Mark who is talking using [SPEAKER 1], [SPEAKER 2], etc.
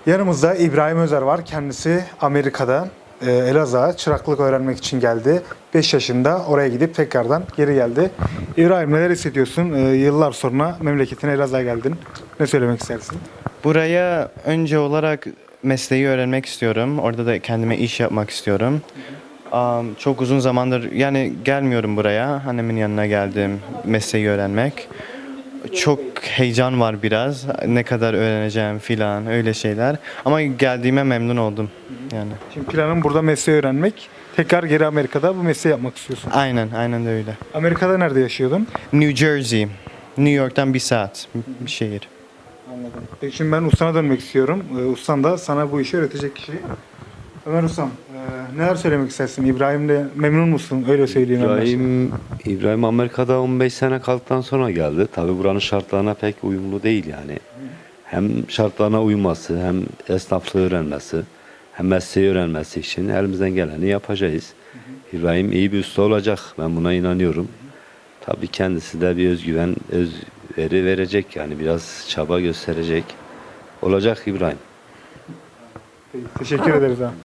[SPEAKER 1] Yanımızda İbrahim Özer var. Kendisi Amerika'da Elazığ'a çıraklık öğrenmek için geldi. 5 yaşında oraya gidip tekrardan geri geldi. İbrahim, neler hissediyorsun? Yıllar sonra memleketine, Elazığ'a geldin. Ne söylemek istersin?
[SPEAKER 2] Buraya önce olarak mesleği öğrenmek istiyorum. Orada da kendime iş yapmak istiyorum. Çok uzun zamandır yani gelmiyorum buraya. Annemin yanına geldim mesleği öğrenmek. Çok heyecan var biraz. Ne kadar öğreneceğim filan öyle şeyler. Ama geldiğime memnun oldum yani.
[SPEAKER 1] Şimdi planın burada mesleği öğrenmek. Tekrar geri Amerika'da bu mesleği yapmak istiyorsun.
[SPEAKER 2] Aynen de öyle.
[SPEAKER 1] Amerika'da nerede yaşıyordun?
[SPEAKER 2] New Jersey. New York'tan bir saat bir şehir.
[SPEAKER 1] Anladım. Peki şimdi ben ustana dönmek istiyorum. Ustan da sana bu işi öğretecek kişi. Ömer Ustam, neler söylemek istersin? İbrahim'le memnun musun? Öyle söyleyeyim. en başta.
[SPEAKER 3] İbrahim Amerika'da 15 sene kaldıktan sonra geldi. Tabi buranın şartlarına pek uyumlu değil yani. Hem şartlarına uyması, hem esnaflığı öğrenmesi, hem mesleği öğrenmesi için elimizden geleni yapacağız. İbrahim iyi bir usta olacak. Ben buna inanıyorum. Tabii kendisi de bir özgüven, özveri verecek yani biraz çaba gösterecek. Olacak İbrahim.
[SPEAKER 1] Peki, teşekkür ederiz abi.